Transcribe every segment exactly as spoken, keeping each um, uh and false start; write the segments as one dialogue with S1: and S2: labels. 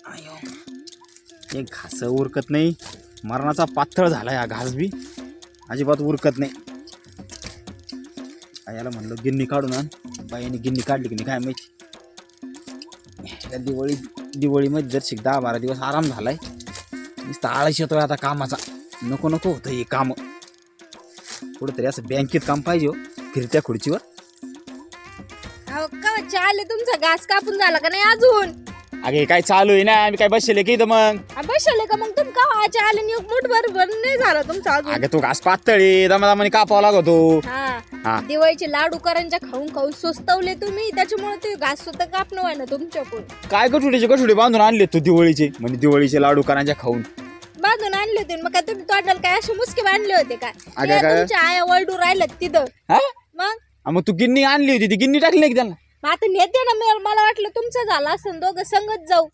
S1: हे घास उरकत नाही, मरणाचा पातळ झाला हा घास बी अजिबात उरकत नाही. याला म्हणलं गिन्नी काढून आण, बाईने गिन्नी काढली की नाही काय माहिती. त्या दिवाळी दिवाळीमध्ये जर शिक दहा बारा दिवस आराम झालाय, नुसतं आळस येतोय आता कामाचा. नको नको होतं हे काम. कुठंतरी असं बँकेत काम पाहिजे हो, फिरत्या खुर्चीवर.
S2: अहो का चाले तुमचा घास कापून झाला का नाही अजून?
S1: अगे काय चालू आहे ना, आम्ही काय बसले की इथं मग.
S2: बसले का मग तुम का आच्या आले नि मुठ भर भर नाही झाला तुमचा अजून.
S1: अगं तू घास पातळी दमादमाने कापावा लागतो.
S2: हा
S1: हा
S2: दिवाळीचे लाडू करंजा खाऊन खाऊन सुस्तवले तुम्ही, त्याच्यामुळे ते घास सुद्धा कापणं व्हाय ना तुमच्याकडून.
S1: काय गठुडीचे गठुडे बांधून आणले तू दिवाळीचे, म्हणजे दिवाळीचे लाडू करांच्या खाऊन
S2: बांधून आणले होते. मग काय तुम्ही तोंडाला काय असे मुसके बांधले होते काय?
S1: अगं
S2: ते
S1: काय?
S2: तुमच्या आया वळडू राहिल्यात तिथं.
S1: हा
S2: मग
S1: हा, मग तू गिन्नी आणली होती, ती गिन्नी टाकली नाही की त्यांना?
S2: मग आता नेते ना, मी मला वाटलं तुमचं झालं असं दोघं संगत जाऊ.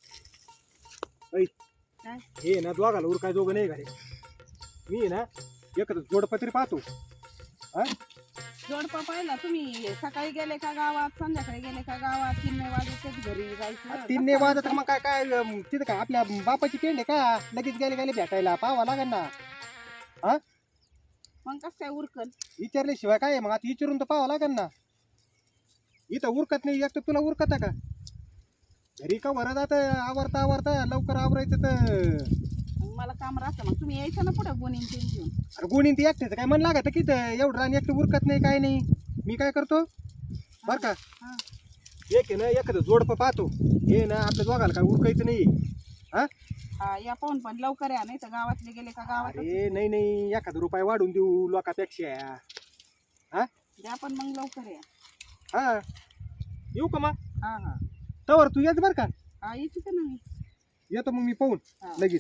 S3: हे ना दोघाला उरकाय दोघं नाही घरी. मी ना एकच जोडपत्री पाहतो. हा
S4: जोडपा पाहिला तुम्ही? सकाळी गेले का गावात, संध्याकाळी गेले का गावात, तीन नाही वाजत घरी जायचं.
S3: तीन नाही वाजत मग काय काय अं, तिथं काय आपल्या बापाची पेंड आहे का? लगेच गेले गेले भेटायला पाहावं लागेल ना. हा
S4: मग कसं काय उरकल?
S3: विचारल्याशिवाय काय आहे? मग आता विचारून तर पाहावं लागेल ना. इथं उरकत नाही, एक तर तुला उरकत का? घरी का भरत आता आवरता आवरता लवकर आवरायचं तर
S4: मग मला काम राहतं. मग तुम्ही यायचं ना पुढे गुन्हे तीन घेऊन.
S3: अरे गुणीन ती एकट्याचं काय मन लागत की एवढं रान एकटं उरकत नाही काय नाही. मी काय करतो बर का,
S4: हा.
S3: एक आहे ना एखादं जोडपं पाहतो. हे ना आपल्या दोघाला काय उरकायचं नाही. हा
S4: हा या पाहून पण लवकर या, नाही तर गावातले गेले का गावात
S3: अरे नाही नाही, एखादा रुपये वाढून देऊ लोकापेक्षा. हा
S4: द्या पण मग लवकर या.
S3: हा येऊ का मग?
S4: हा हा
S3: तवर तू येत बर का.
S4: हा यायची का नाही?
S3: येतो मग मी पाहून
S4: हा.
S3: लगेच.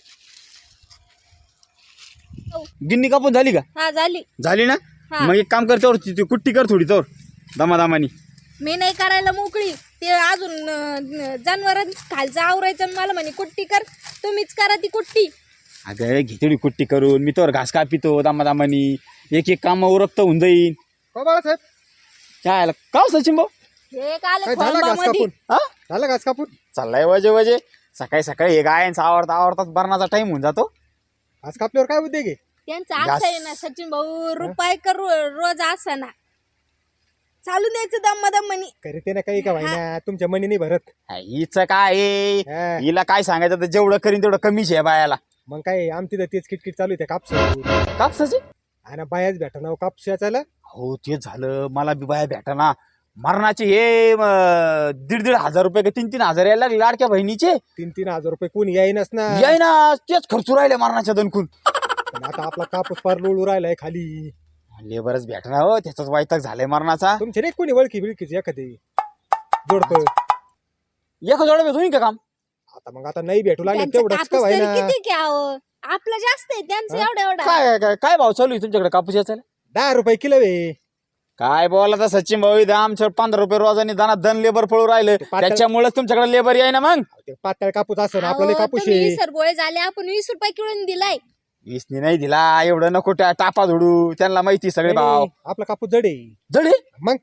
S1: गिन्नी कापून झाली का?
S2: हा झाली.
S1: झाली ना,
S2: हा.
S1: मग एक काम कर, तोवर ती कुट्टी कर थोडी तोवर दमादमानी.
S2: मी नाही करायला मोकळी. ते अजून जनावर खालचं आवरायचं आणि मला म्हणे कुट्टी कर. तुम्हीच करा ती कुट्टी.
S1: अगं घे तेवढी कुट्टी करून, मी तोवर घास कापितो दमादमानी. एक एक काम उरकत होऊन जाईन.
S3: हो बाळासाहेब,
S1: काय का हो सचिन भाऊ?
S2: हे काल
S3: काय झालं घास
S2: खोंबामध्ये
S3: कापून?
S1: हा
S3: झालं घास कापून?
S1: चाललाय वजे वजे. सकाळी सकाळी हे गायांचा आवडता आवडताच बरणाचा टाइम होऊन जातो.
S3: घास कापल्यावर काय उद्योग आहे?
S2: त्यांचं असं आहे ना सचिन भाऊ, रुपये कर रोज असं ना चालू द्यायचं दम दम म्हणी.
S3: करते ना काही का व्हायना, तुमच्या मनी नाही भरत.
S1: हिच काय आहे?
S3: हा.
S1: हिला काय सांगायचं तर जेवढं करीन तेवढं कमीच आहे बायाला.
S3: मग काय आमची तर तेच किटकिट चालू आहे कापस.
S1: कापसाची
S3: आणि बायाच भेटा ना कापस याचायला.
S1: हो तेच झालं, मला बी बाया भेटाना. मरणाचे हे म, दीड दीड हजार रुपये का तीन तीन हजार यायला लागले लाडक्या बहिणीचे.
S3: तीन तीन हजार रुपये कोणी यायनच ना.
S1: याय ना, तेच खर्चू राहिले मरणाच्या दणकून.
S3: पण आता आपला कापूस फार लोळू राहिलाय खाली.
S1: लेबरच भेटना हो, त्याचाच वैताग झालाय मरणाचा.
S3: तुमचे नाही कोणी वळखी बिळखीच एखादी जोडप?
S1: एक जोड भेटून का काम?
S3: आता मग आता नाही भेटू लागले
S2: त्यांचं
S3: तेवढंच का
S2: कापूस तरी
S3: व्हायना.
S2: किती घ्यावं? आपलं जास्त आहे, त्यांचं
S3: हा?
S2: एवढं एवढं.
S1: काय काय काय भाव चालू आहे तुमच्याकडे कापूस याचा?
S3: दहा रुपये किलो वे.
S1: काय बोला तर सचिन भाऊ, इथं आमच्या पंधरा रुपये रोजाने दाना दन लेबर पळू राहिलं.
S3: पातळ-
S1: त्याच्यामुळेच तुमच्याकडे लेबर याय ना. मग
S3: ते पातळ कापूस असं ना, आपल्याला
S2: अहो,
S3: कापूस
S2: तुम्ही
S3: आहे.
S2: वीस रुपये झाले, आपण वीस रुपये किलो दिलाय.
S1: वीसनी नाही दिला, एवढं नको त्या टापा झोडू. त्यांना माहिती सगळे भाव.
S3: नाही, आपला कापूस जड आहे.
S1: जडे
S3: मग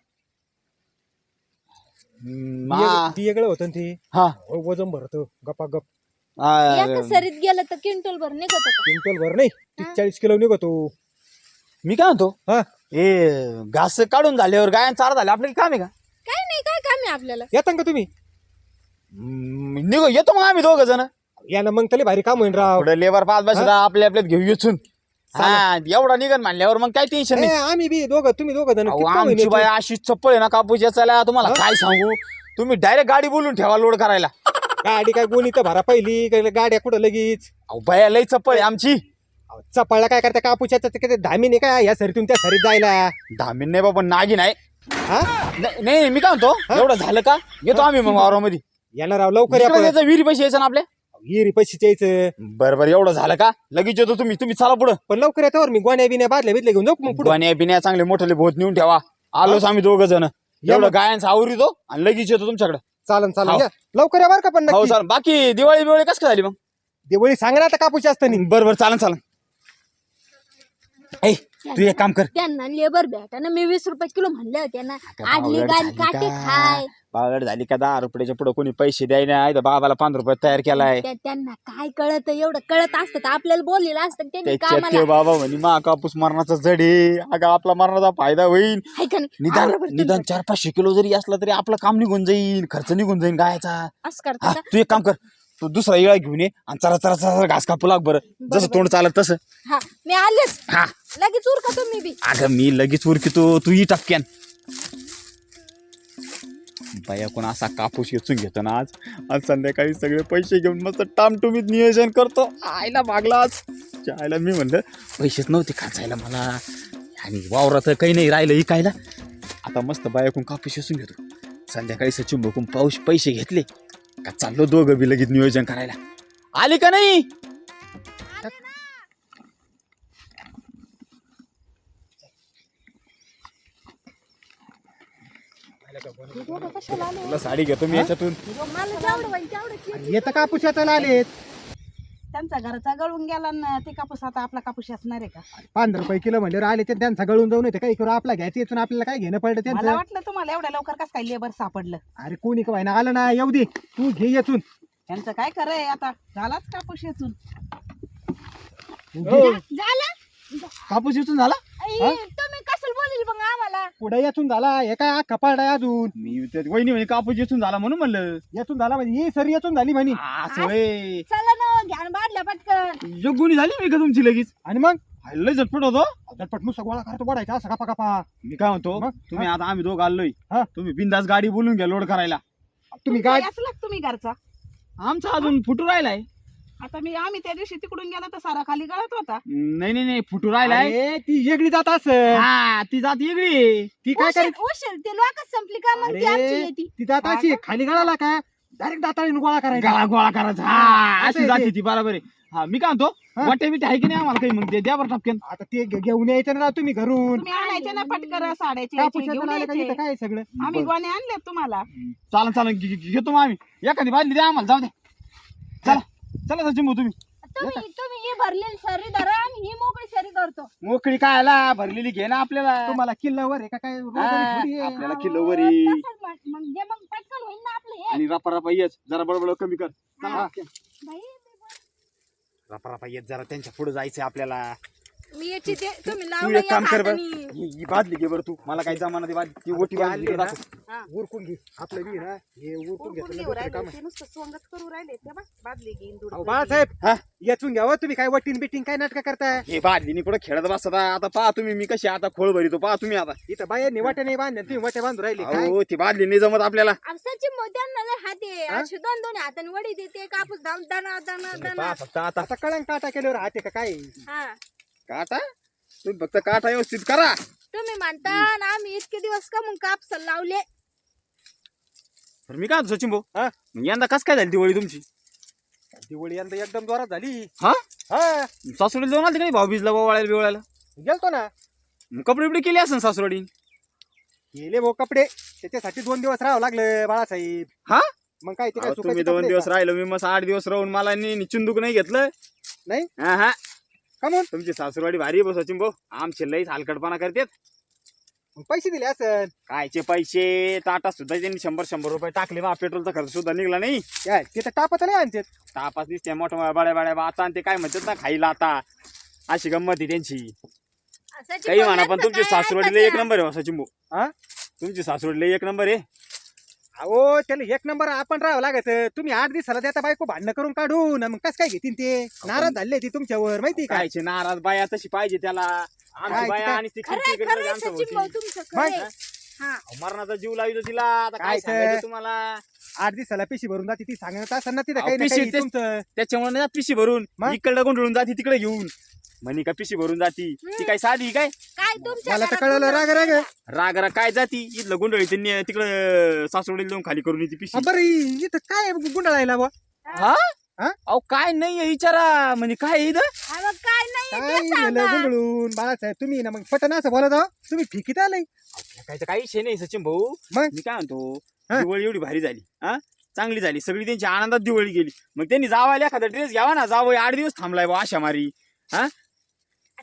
S1: हम्म,
S3: ती
S1: हा.
S3: एक- ती वेगळं होतं ना ती.
S1: हा.
S3: वजन भरतो गपा गप.
S1: आ,
S2: एका सरीत गेलं तर क्विंटल भर निघत होतं.
S3: क्विंटल भर नाही, तीस चाळीस किलो निघतो.
S1: मी काय म्हणतो,
S3: हा
S1: ए घास काढून झाल्यावर गायन चारा झाले आपल्याला काम आहे का?
S2: काय नाही, काय काम आहे आपल्याला?
S3: येता का तुम्ही?
S1: हम्म, निघो येतो मग आम्ही दोघ जण.
S3: या ना मग त्याला भारी काम होईन राव.
S1: पुढे लेबर पाच बसला आपल्या आपल्यात घेऊ येचून. हा एवढा निघन म्हणल्यावर मग काय टेन्शन
S3: ए,
S1: नाही.
S3: आम्ही बी दोघं तुम्ही दोघं जण
S1: अहो,
S3: किती काम होईन
S1: आमची
S3: याचं?
S1: बाई अशी चप्पल आहे ना कापूस याचायला, तुम्हाला
S3: हा?
S1: काय सांगू. तुम्ही डायरेक्ट गाडी बोलून ठेवा लोड करायला.
S3: गाडी काय गोणी तर भरा पहिली काय गाड्या कुठं लगेच.
S1: अहो बाया लई चप्पल आहे आमची.
S3: अहो, चपाळला काय करता कापूस किती धामीने काय या सरीतून त्या सरीत जायला.
S1: धामीन नाही बाबा, नागिन आहे.
S3: हा
S1: नाही नाही, मी काय म्हणतो, एवढं झालं का येतो आम्ही मग वावरामध्ये.
S3: येणार राव लवकर या पण.
S1: विहिरी पैसे यायचं ना आपल्या.
S3: हिरी पैसे यायचं.
S1: बरं बरं, एवढं झालं का लगेच येतो. तुम्ही तुम्ही चला पुढं.
S3: पण लवकर येतावर मी गोण्या बिन्या बादल्या बिदल्या घेऊन जाऊ मग पुढे.
S1: पाण्या पिण्या चांगले मोठे भोत नेऊन ठेवा. आलोच आम्ही दोघ जण. एवढं
S3: मग.
S1: गायांचा आवरितो आणि लगेच येतो तुमच्याकडे.
S3: चालन चालन
S1: हाव.
S3: या. लवकर या बरं का पण
S1: हो
S3: नक्की.
S1: चाल. बाकी दिवाळी बिवाळी कसं काय झाली मग?
S3: दिवाळी सांगा ना आता कापूस असतं नाही.
S1: बरं बरं चालन चालन. ऐ तू एक काम कर,
S2: त्यांना लेबर भेटा ना, मी वीस रुपये किलो म्हणले होते ना.
S1: अगं,
S2: आडली
S1: बावळट
S2: गाडी
S1: झाली
S2: काटे
S1: का?
S2: खाय.
S1: बावळट झाली का? दहा रुपयाच्या पुढे कोणी पैसे द्याय नाही तर बाबाला पंधरा रुपयात तयार केलाय.
S2: त्या- त्यांना काय कळत, एवढं कळत असतं तर आपल्याला बोललेलं असतं त्यांनी
S1: त्याच्यात
S2: कामाला.
S1: ते बाबा म्हणे मा कापूस मरणाचा जडे, अगं आपला मरणाचा फायदा होईल.
S2: हाय का नाही?
S1: निदान
S2: बरोबर,
S1: निदान
S2: तुम्ही
S1: चार पाचशे किलो जरी असला तरी आपलं काम निघून जाईल, खर्च निघून जाईल गायचा.
S2: असं करता
S1: हा
S2: का?
S1: तू एक काम कर, तू दुसरा इळा घेऊन ये आणि चरा चरा चरा घास कापू लाग बरं, जसं तोंड चालत तसं.
S2: हा मी आलेच,
S1: हा
S2: लगेच उरका तुम्ही बी.
S1: अगं मी लगेच उरकितो, तू ही टपक्यान. बाया कोण असा कापूस वेचून घेतो ना आज. आज संध्याकाळी सगळे पैसे घेऊन मस्त टामटुमीत नियोजन करतो. आईला मागला आज आईला मी म्हणलं पैसेच नव्हते खायला मला आणि वावरात काही नाही राहिलं इकायला. आता मस्त बायाकून कापूस वेचून घेतो. संध्याकाळी सचिन बघून पाऊस पैसे घेतले का चाललो दोघं बी लगेच नियोजन करायला. आले का नाही? तुला साडी घेतो मी याच्यातून.
S2: मला जेवढं होईल तेवढं.
S3: येतं कापूस याचायला आलेत.
S4: त्यांचा घरचा गळून गेला ना ते कापूस, आता आपला कापूस असणार आहे का?
S3: पंधरा रुपये किलो म्हणल्यावर आले ते त्यांचा गळून जाऊन येते काही करू आपला घ्यायचं येतून आपल्याला काय घेणं पडलं
S4: मला
S3: त्यांचं.
S4: वाटलं तुम्हाला एवढ्या लवकर कसं काय लेबर सापडलं.
S3: अरे कोणी का ना आलं ना, येऊ दे तू घे येतून.
S4: त्यांचं काय खरंय, आता झालाच कापूस येथून.
S3: हो.
S2: झालं.
S1: कापूस येतून झाला.
S2: आई, तुम्ही कसं बोलील मग आम्हाला?
S3: पुढे येतून झाला हे काय अख्खा पाड आहे अजून.
S1: मी त्या वहिनी म्हणे कापूस येतून झाला म्हणून म्हणलं.
S3: येतून झाला म्हणजे ही सरी येतून झाली म्हणे.
S1: असं होय.
S2: चला ना, घ्यान बादल्या पटकन.
S1: जगुनी झाली मी का तुमची लगेच?
S3: आणि मग
S1: लय झटपट होतो.
S3: झटपट नुसतं गोळा करतो वाढायचा असं कापा कापा.
S1: मी काय म्हणतो,
S3: मग?
S1: तुम्ही आता आम्ही दोघं आलोय,
S3: हा.
S1: तुम्ही बिंदास गाडी बोलून घ्या लोड करायला.
S3: तुम्ही
S4: तुमचा
S3: काय
S4: असला का तुम्ही घरचा?
S1: आमचा अजून फुटू राहिलाय.
S4: आता मी आम्ही त्या दिवशी तिकडून गेला तर सारा खाली गळत होता.
S1: नाही नाही नाही फुटू राहिलाय.
S3: अरे, ती वेगळी जात असं.
S1: हा ती जात वेगळी आहे.
S3: ती काय
S2: उशीर
S3: करेल
S2: उशीर ते लोक संपली का मग ती आमची
S3: अरे
S2: येते.
S3: ती जात अशी खाली गळाला का डायरेक्ट दाताळीने गोळा करायचा.
S1: गाळा गोळा करायचा. हा
S3: असं
S1: अशी
S3: आहे
S1: जाते
S3: ते.
S1: ती बरोबर आहे. हा मी काय म्हणतो,
S3: हा.
S1: वाटे बिटे आहे की नाही आम्हाला काही, मग ते द्या बरं टपक्यान.
S3: आता ते घे- घेऊन यायचं ना तुम्ही घरून.
S4: तुम्ही आणायचे ना पटकर साड्याचे
S3: कापूस
S4: घेऊन
S3: येताना आले का
S4: यायचे.
S3: इथं काय सगळं.
S4: आम्ही गोणे आणले तुम्हाला.
S1: चालन चालन घे- घे- घेतो मग आम्ही. एखादी बादली द्या आम्हाला, जाऊ दे. चला चला सचिन भाऊ तुम्ही.
S2: तुम्ही तुम्ही ही भरलेली शरी धरा आणि ही मोकळी शरी करतो.
S1: मोकळी काय आला भरलेली घे ना आपल्याला.
S3: तुम्हाला किल्ल्यावर आहे का काय रोज
S1: हा,
S3: थोडी आहे.
S1: आपल्याला किलोवर आहे.
S2: तसंच म्हण- म्हणजे मग पटकन होईल ना आपलं हे.
S1: आणि रपा रपा येच जरा बडबड कमी कर. चला.
S3: हा.
S2: बाई,
S1: रपा रपा येत जरा त्यांच्या पुढे जायचंय आपल्याला.
S2: मी याची ते तुम्ही
S1: तू
S2: लावलं
S1: एक काम
S2: या
S1: कर बरं,
S2: हातानी.
S1: ही ही बादली घे बरं तू. मला काही जमाना ती बादली, ती ओटी बादली
S3: आणली ना,
S1: दाखव.
S3: उरकून घे आपलं बी ना हे उरकून
S4: उरकून
S3: घेतलं
S4: घेऊ
S3: दुसरं
S4: राहिले
S3: काम आहे.
S4: ते नुसतं सोंगच करू राहिले ते बा बादली घेईन दूध
S3: अहो,
S4: घेईन.
S3: बाळासाहेब
S1: हा?
S3: याचून घ्यावं तुम्ही काय वटीन बिटिंग काय नाटक करताय.
S1: हे बादलीनी कुठं खेळत बसता. आता पहा तुम्ही मी कशी आता खोळ भरितो पहा तुम्ही आता.
S3: इथं बायांनी वाटे नाही बांधले तुम्ही वाटे बांधून राहिले काय.
S1: अहो ती बादली नाही जमत आपल्याला.
S2: सचिन मोत्यांना लय हात आहे.
S3: हा?
S2: अशी दोन दोन हाताने वडी देते, कापूस दाम दाना दाना दाना.
S1: पहा फक्त आता
S3: आता कळंग काटा केल्यावर हाते का काय.
S2: हा
S1: काटा, तुम्ही फक्त काटा व्यवस्थित करा.
S2: तुम्ही म्हणता ना आम्ही इतके दिवस का मग कापस लावले.
S1: तर मी काय म्हणतो सचिन भाऊ,
S3: हा?
S1: मग यंदा कस काय झाली दिवाळी तुमची?
S3: दिवाळी यंदा एकदम जोरात झाली.
S1: हा
S3: हा
S1: सासवडीला जाऊन आली का नाही भाऊ बीजला वाळायला बिवळायला?
S3: गेलतो ना.
S1: मग कपडे बिपडे केले असेल सासवडी?
S3: गेले भाऊ कपडे त्याच्यासाठी दोन दिवस राहावं लागलं बाळासाहेब.
S1: हा?
S3: मग काय ते काय
S1: अहो,
S3: सुकायचे
S1: तुम्ही दोन
S3: कपडे
S1: दिवस
S3: का?
S1: राहिलो, मी मस्त आठ दिवस राहून मला नी चिंदूक नाही घेतलं.
S3: नाही
S1: हा हा
S3: का म्हणून
S1: तुमची सासूरवाडी भारी बस सचिन भाऊ. आमचे लईच हलकटपणा करतात.
S3: मग पैसे दिले असं
S1: कायचे पैसे, टाटा सुद्धा त्यांनी शंभर शंभर रुपये टाकले बा. पेट्रोलचा खर्च सुद्धा निघला नाही.
S3: काय तिथं टापत नाही आणते.
S1: तापास दिसते मोठ्या बड्या बड्या आता आणि ते काय म्हणतात ना खायला आता. अशी गंमत आहे त्यांची.
S2: सचिन
S1: काही म्हणा पण
S2: बोलण्याचं
S1: तुमची
S2: काय
S1: सासूरवाडीला
S2: ऐकायचं?
S1: एक नंबर आहे हो सचिन भाऊ.
S3: हा
S1: तुमची सासूरवाडीला एक नंबर आहे.
S3: अहो त्याला एक नंबर आपण राहावं लागत. तुम्ही आठ दिवसाला देता बायको भांडणं करून काढून मग कस काय घेतील ते. नाराज झाले ती तुमच्यावर माहिती का.
S1: कायचे नाराज बाया तशी पाहिजे त्याला.
S3: काय
S1: आमची बाया
S3: काय?
S1: आणि ती
S2: खरंय
S1: खिडकी
S2: खरंय
S1: इकडे आमच्या
S2: सचिन भाऊ
S1: भोवती.
S2: तुमचं
S3: मग?
S2: खरंय. हा
S1: मरणाचा जीव लावितो तिला. आता काय
S3: काय ते?
S1: सांगायचं तुम्हाला.
S3: आठ दिवसाला पिशी भरून जाते ती सांगत असं ना तिथं
S1: अहो,
S3: काही ना
S1: पिशी
S3: काही
S1: तेच-
S3: तुमचं.
S1: त्याच्यामुळे ना पिशी भरून
S3: मग?
S1: इकडे गुंडळून जाती तिकडे घेऊन. म्हणी का पिशी भरून जाती. ती काय साधी काय
S2: काय तुमच्या
S3: मला तर
S2: घरात
S3: कळलं राग राग.
S1: राग राग काय जाती. इथलं गुंडळी त्यांनी तिकडे सासवडीला जाऊन खाली करून येते पिशी.
S3: हा, बरं इ- इथं काय गुंडाळायला बुवा.
S1: हा
S3: हा?
S1: अहो काय नाही विचारा म्हणजे काय आहे इथं?
S2: हा, मग काय नाही
S3: काय
S2: ते
S3: झालं
S2: सांगा.
S3: गुंडळून बाळासाहेब तुम्ही ना मग पटन असं बोलत आहो. तुम्ही फिकीत आलंय
S1: काय तर काही विषय नाही सचिन भाऊ.
S3: मग?
S1: मी काय म्हणतो,
S3: हा?
S1: दिवाळी एवढी भारी झाली. हा चांगली झाली सगळी त्यांची आनंदात दिवाळी गेली. मग त्यांनी जावायला एखादा ड्रेस घ्यावा ना. जावं आठ दिवस थांबलाय बा अशा मारी. हा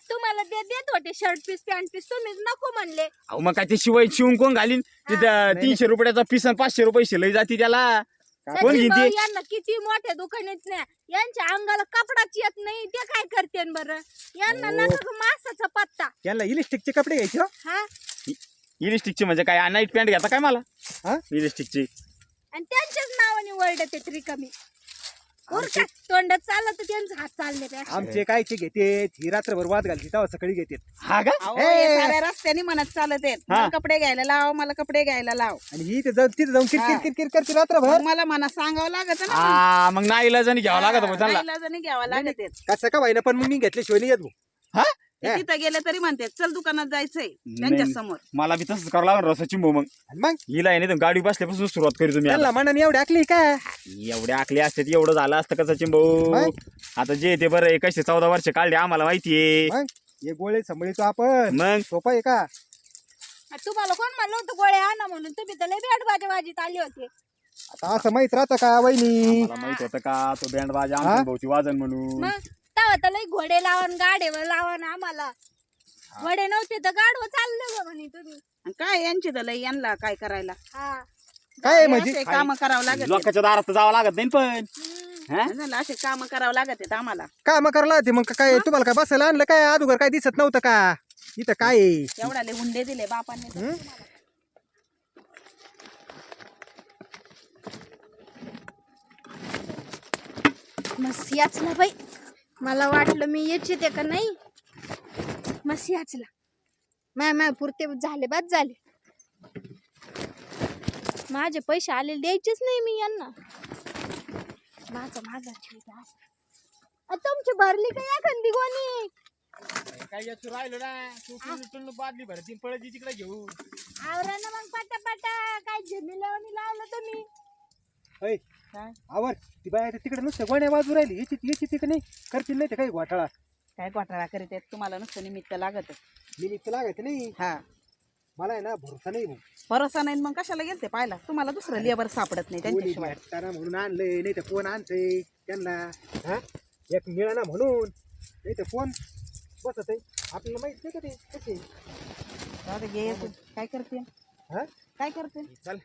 S2: तुम्हाला ते देत होते शर्ट पीस पॅन्ट पीस तुम्हीच नको म्हणले.
S1: अहो मग काय ते शिवाय शिवून कोण घालीन तिथं तीनशे रुपयाचा पीस आणि पाचशे रुपये शिलाई जाते त्याला. कोण
S2: सचिन भाऊ
S1: घेते
S2: यांना किती मोठ्या दुकानात नाही यांच्या अंगाला कपडाच येत नाही ते काय करते बरं. यांना
S3: हो.
S2: नका का मासाचा पत्ता.
S3: यांना इलेक्ट्रिकचे कपडे घ्यायचे हो.
S2: हा
S1: इलिस्टिकची म्हणजे काय नाईट पॅन्ट घेता काय मला
S3: हा?
S1: इलिस्टिकची
S2: आणि त्यांच्याच नावाने वर्ल्ड ते रिकामी उरका तोंडात चाललं तर त्यांचा हात चालले ते
S3: आमचे कायचे घेते ही रात्रभर वाद घालते तेव्हा सकाळी घेते
S1: हा का
S4: अहो,
S3: ए.
S4: हे साऱ्या रस्त्याने म्हणत चालत आहेत
S1: हा.
S4: मला कपडे घ्यायला लाव मला कपडे घ्यायला लाव
S3: आणि ही ते जाऊन तिथे जाऊन किरकिर
S4: हा.
S3: किरकिर करते रात्रभर.
S4: मग मला म्हणा सांगावं लागत ना
S1: हा मग नाही इलाजाने घ्यावं लागत मग त्यांना.
S4: नाईलाजाने घ्यावं लागत आहेत.
S3: कसं का व्हायना पण मग मी घेतल्याशिवाय नाही येत भाऊ.
S1: हा
S4: ते
S3: हा.
S4: तिथं गेले तरी म्हणते चल दुकानात जायचंय
S1: नाही.
S4: त्यांच्या समोर.
S1: मला बी तसंच करावं लागणार सचिन भाऊ. मग
S3: आणि मग
S1: हिला आहे नाही गाडी बसल्यापासून सुरुवात करू तुम्ही
S3: त्यांना मनाने एवढी आखली का
S1: एवढे आखले असते एवढं झालं असतं का सचिन भाऊ.
S3: मग?
S1: आता जे ते बरं आहे, कसे चौदा वर्ष काढले आम्हाला माहितीये.
S3: मग हे गोळे सांभाळतो आपण
S1: मग
S3: सोपं आहे का.
S2: तुम्हाला कोण म्हणलं होतं गोळे आणा म्हणून तुम्ही तर लय बॅट बाजी बाजीत आले होते.
S3: आता असं माहित राहतं का वहिनी.
S1: मला माहित होतं का तो बँड बाजा
S3: हा?
S1: आमच्या भाऊची वाजन म्हणून.
S2: मग तेव्हा तर लय घोडे लावून गाडेवर लावून आम्हाला घोडे नव्हते तर गाडवं चाललं ग म्हणे तुम्ही.
S4: आणि काय यांची तर लई यांना काय करायला
S2: हा
S3: काय म्हणजे
S4: काम करावं लागत आहेत.
S1: लोकांच्या दारात तर जावं लागत नाही पण
S2: हम्म.
S1: हा?
S4: झालं, असे काम करावं लागत आहेत आम्हाला.
S3: काय मग करायला ते मग काय तुम्हाला काय बसायला आणलं काय अगोदर काय दिसत नव्हतं का इथं काय आहे?
S4: एवढाले हुंडे दिले बापांनी तर
S3: हं?
S4: तुम्हाला.
S2: मस्त याचला बाई मला वाटलं मी यायचे ते का नाही. मस्त याचला माय माय पुरते झाले बाद झाले. माझे पैसे आलेले द्यायचेच नाही मी यांना. माझा माझा ठेवता तुमची भरली का एखादी गोणी.
S1: काय याचं राहिलं ना तू बादली भरती पळती तिकडे घेऊ.
S2: आवरा ना मग पाटा पाटा काय झेमिलावणी लावलं तुम्ही.
S3: होय
S4: काय
S3: आवर ती बाय तिकडे नुसतं गोण्या बाजू राहिली याची याची तिकडे नाही करतील नाही ते काही घोटाळा.
S4: काय घोटाळा करीत आहेत तुम्हाला नुसतं निमित्त लागत.
S3: निमित्त लागायचं नाही.
S4: हा
S3: मला आहे ना भरोसा नाही भाऊ.
S4: भरोसा नाही मग कशाला गेलते पाहिला तुम्हाला दुसरं लेबर सापडत नाही
S3: कोणी
S4: त्यांच्याशिवाय.
S3: भेटताना म्हणून आणलंय नाही तर कोण आणतंय त्यांना. हा एक मिळाना म्हणून नाही तर कोण बसत आहे आपल्याला माहित नाही का ते कसे.
S4: जाऊ दे, घे तू. काय करते
S3: हा
S4: काय करते
S1: चल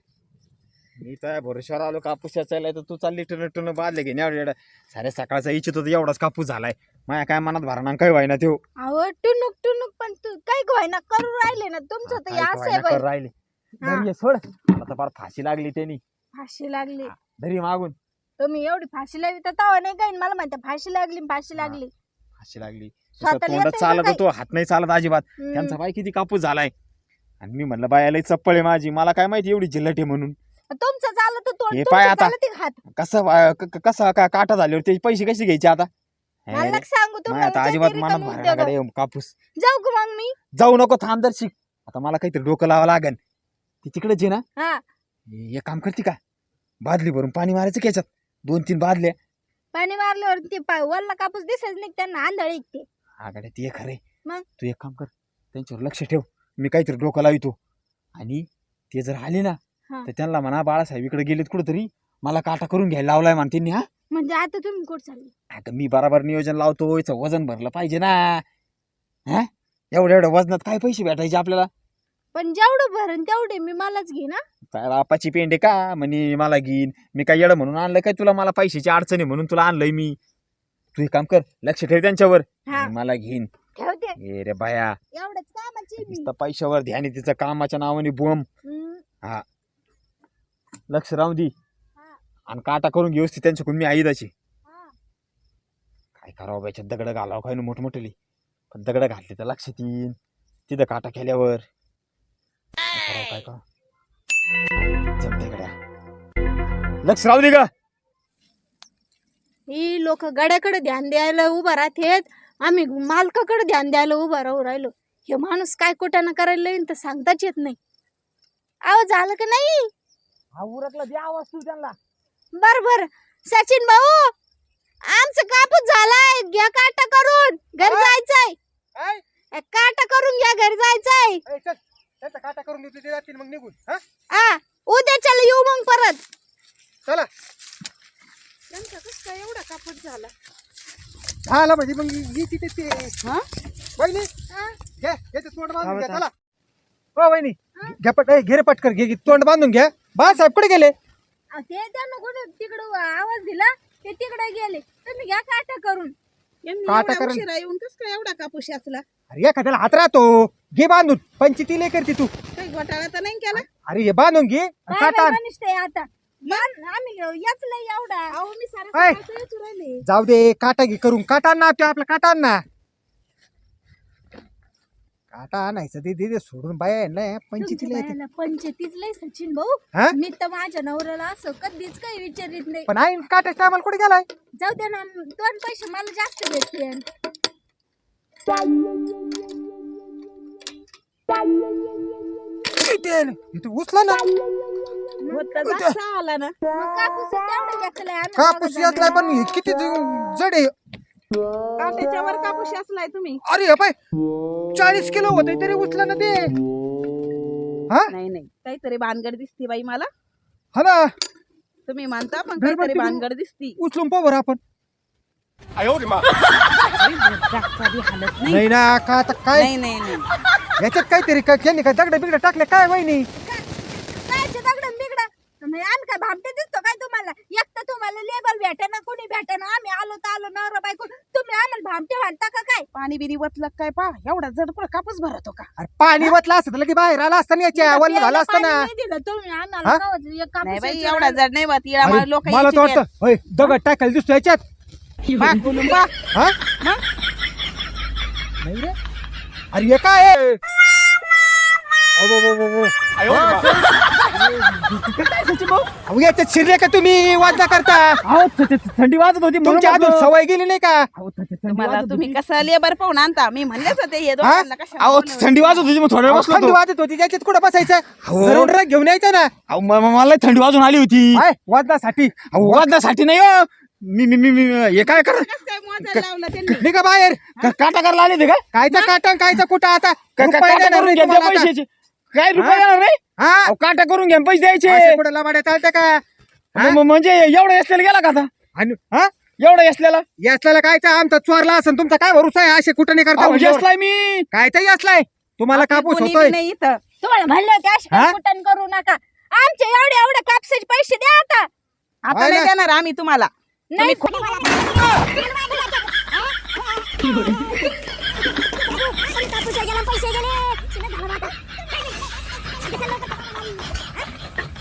S1: मी तर भरोश्यावर आलो कापूस याचायला तर तू चालली टन टन बादले घेणे एवढ्या साऱ्या सकाळचा इच्छित होता एवढाच कापूस झालाय. माझ्या काय मनात भरणा काय व्हायना त्यो.
S2: अहो टुनुक टुनुक पण तू काय गोयना करू राहिले ना तुमचं तर
S1: काय
S2: असं आहे
S1: व्हायना
S2: बाई.
S1: कर राहिले
S2: हा.
S1: धरी ये, सोड आता फार फाशी लागली त्यांनी.
S2: फाशी लागली
S1: धरी मागून
S2: तुम्ही एवढी फाशी लागली तर तवा नाही काही मला म्हणते फाशी लागली फाशी
S1: हा.
S2: लागली.
S1: फाशी लागली
S2: स्वतःला
S1: तोंडात
S2: येतंय
S1: चालत
S2: का
S1: होतो हात नाही चालत अजिबात.
S2: हम्म.
S1: त्यांचा बाई किती कापूस झालाय आणि मी म्हणलं बायाला चप्पल आहे माझी मला काय माहिती एवढी जिल्हट आहे म्हणून.
S2: तुमचं चाललं तर तोंड
S1: हे
S2: तुमचं
S1: पाय आता.
S2: चाललं ते हात.
S1: कसं वा- क- क- कसा का काटा झाल्यावर ते पैसे कसे घ्यायचे आता.
S2: मला नका सांगू
S1: नाही
S2: तुम्हाला
S1: आता अजिबात
S2: विचारते
S1: मनात
S2: रिकामी
S1: भरण्याकडे
S2: उद्योग.
S1: कापूस.
S2: जाऊ का मग मी.
S1: जाऊ नको थांब दर्शिक आता मला काहीतरी डोकं लावा लागन. ती तिकडेच आहे ना
S2: हा
S1: हे एक काम करते का बादली भरून पाणी मारायचं की याच्यात दोन तीन बादल्या.
S2: पाणी मारल्यावर ते पा- वल्ला कापूस दिसायच नाही त्यांना आंधळ ऐकते.
S1: आगाड्या ते खरे
S2: मग?
S1: तू एक काम कर त्यांच्यावर लक्ष ठेव मी काहीतरी डोकं लावितो आणि ते जर आले ना
S2: हा.
S1: तर त्यांना म्हणा बाळासाहेब इकडे गेलेत कुठंतरी मला काटा करून घ्यायला लावलाय म्हणते त्यांनी. हा
S2: म्हणजे आता तुम्ही कुठं चालले.
S1: आता मी बराबर नियोजन लावतो याचं वजन भरलं पाहिजे ना. हा एवढ्या एवढ्या वजनात काय पैसे भेटायचे आपल्याला.
S2: पण जेवढं भरण तेवढे मी मलाच घे ना.
S1: काय बापाची पेंडे का म्हणे मला घेईन मी काय येडं म्हणून आणलं काय तुला मला पैशाची अडचण आहे म्हणून तुला आणलंय मी. तू एक काम कर लक्ष ठेव त्यांच्यावर
S2: हा
S1: मी मला घेईन.
S2: ठेवते
S1: ए रे बाया
S2: एवढंच कामाची मी.
S1: नुसतं पैशावर ध्यान आहे तिचं कामाच्या नावाने बोंब.
S2: हम्म.
S1: लक्ष राहू दे
S2: हा,
S1: आणि काटा करून घेऊस ती त्यांच्याकडून मी आईदाची.
S2: हा.
S1: काय करावं बायच्यात दगड घालावं काय ना मोठमोठली पण दगड घातली तर लक्षात येईन तिथं काटा केल्यावर काय करावं काय करावं जमते गड्या लक्ष राहू दे का.
S2: ही लोक गड्याकडे ध्यान द्यायला उभा राहतेत आम्ही मालकाकडे ध्यान द्यायला उभा राहू राहिलो. हे माणूस काय कुठं करायला येईन तर सांगताच येत नाही. आव झालं का नाही.
S1: हा उरकला द्या आवाज तू त्यांना.
S2: बर बर सचिन भाऊ आमचं कापूस झालाय घ्या काटा करून घरी
S3: हा?
S2: जायचंय.
S3: काय
S2: ए, काटा करून घ्या घरी जायचंय.
S3: ए, चल त्याचा काटा करून देतो ते जातील मग निघून. हा
S2: आ उद्या चल येऊ मग परत.
S3: चला
S4: त्यांचा कसं काय एवढा कापूस झाला.
S3: झाला म्हणजे मग ही तिथे ते
S4: हा
S3: वहिनी
S2: हा?
S3: घे याचे तोंड बांधून घ्या चला हो वहिनी घ्या पट ए, घे रे पटकर घे घे, तोंड बांधून घ्या बाळासाहेब कुठे गेले
S2: अहो, ते त्यांना कुठे तिकडं आवाज दिला ते तिकडे गेले तुम्ही घ्या काटा करून
S4: यांनी
S3: का आता
S4: एवढा
S3: करेल?
S4: उशिरा येऊन कस काय एवढा कापूस असला
S3: अरे एखाद्याला हात राहतो घे बांधून पंचायती लय करते तू
S4: काही घोटाळा तर नाही केला
S3: अरे हे बांधून घे आणि
S2: काय
S3: काटा आण.
S2: बाई मनिष्ठ आहे आता मान- आम्ही याचलं एवढा
S4: अहो मी सारं
S3: ऐ.
S4: सकाळचं येतो राहिले
S3: जाऊ दे काटा घे करून काटा आण ना आपल्या आपला काटा आण ना काटा आणायचं ते दे दे सोडून बाया नाही पंचायतीला येते
S2: पंचतीच लय सचिन भाऊ
S3: हा
S2: मी तर माझ्या नवऱ्याला असं कधीच काही विचारित नाही
S3: पण आई काटा टायमाला कुठे गेलाय
S2: जाऊ दे ना दोन पैसे मला जास्त भेटते
S3: तू उचला ना
S4: होतं जास्त आला ना
S2: मग कापूस तेवढं घेतलंय आम्ही
S3: कापूस
S2: दोघं
S3: यातलाय
S2: जणांनी.
S3: पण हे किती जड आहे
S4: काट्याच्या वर कापूस असलाय तुम्ही
S3: अरे हे पाय चाळीस किलो होते तरी उचला ना ते हा
S4: नाही नाही काहीतरी भानगड दिसती बाई मला
S3: हा ना
S4: तुम्ही मानता पण
S3: घरबत्ती
S4: काहीतरी
S3: बघू.
S4: भानगड दिसती
S3: उचलून पाहू बरं आपण
S4: हालत नाही
S3: नाही ना का आता काय
S4: नाही नाही नाही
S3: याच्यात काहीतरी काय त्यांनी काय दगड बिगड टाकले काय वहिनी
S2: कायचे दगडं बिगडं म्हणजे आम्ही काय भामटे दिसतो काय तुम्हाला एक तर तुम्हाला लेबल भेटेना कोणी भेटेना आम्ही आलो तर आलो नवरा बायको तुम्ही आम्हाला भामटे म्हणता का काय
S4: पाणी बिनी वतलं काय पा एवढा जड पण कापूस भरतो का
S3: अरे पाणी वतलं असतं तर लगे बाहेर आला असताना याच्या वल्ल झालं असतं ना
S2: पाणी नाही दिलं तुम्ही आम्हाला
S3: हा?
S2: कवच एक कापूस
S4: नाही बाई
S2: याच्यावर
S4: एवढा जड नाही वत इळा
S3: अरे,
S4: लोक
S3: मला तर वाटतं होय दगड टाकायला दिसतो याच्यात
S4: बा कुलुंबा
S3: हा
S4: मग
S3: नाही रे अरे हे काय आहे? अबो, अबो, अबो, अबो. अहो, याच्यात शिरले का तुम्ही वाजना करता
S1: थंडी वाजत होती
S3: तुमच्या अजून सवय गेली नाही का
S4: तुम्हाला तुम्ही कसं लेबर पाहून आणता मी म्हणलेच होते हे दोघांना कशाला
S1: अहो
S4: बोलवलं?
S1: थंडी वाजत होती मग थोड्या वेळ बसलो
S3: थंडी
S1: होतो.
S3: वाजत होती त्याच्यात कुठं बसायचं
S1: हो.
S3: घरून रग घेऊन यायचं ना
S1: अहो, म- म- मला थंडी वाजून आली होती
S3: काय वाजनासाठी
S1: अहो, वाजण्यासाठी नाही हो मी मी मी मी- हे काय कर
S4: कसं काय मोजायला लावलं त्यांनी
S3: निघा बाहेर
S1: क- काटा करायला आले ते का
S3: कायचा काटा कायचा कुठं आता
S1: का- का-
S3: रुपये
S1: काटा
S3: देणार
S1: करून
S3: नाही
S1: घ्या त्या
S3: तुम्हाला आता.
S1: पैशाचे काय रुपये देणार नाही
S3: हा
S1: अहो, काटा करून घ्या पैसे
S3: असे
S1: द्यायचे
S3: कुठं लबाड्या चालतं का हा?
S1: म- म- म्हणजे एवढं असलेला गेला का आता
S3: आणि हा
S1: एवढं असलेला
S3: यासला कायचा आमचा चोरला असेल तुमचा काय भरोसा आहे असे कुठं नाही करता म्हणल्यावर.
S1: असलाय मी
S3: कायचाही असलाय तुम्हाला
S4: आपली
S3: कापूस
S4: कोणी
S3: होतोय
S4: बी नाही इथं
S2: तुम्हाला म्हणलं होते असे
S3: हा?
S2: काही कुटण करू नका आमचे एवढे एवढे कापसाचे पैसे द्या आता
S4: आता
S3: होय
S4: नाही
S3: ना?
S4: देणार आम्ही तुम्हाला
S2: नाही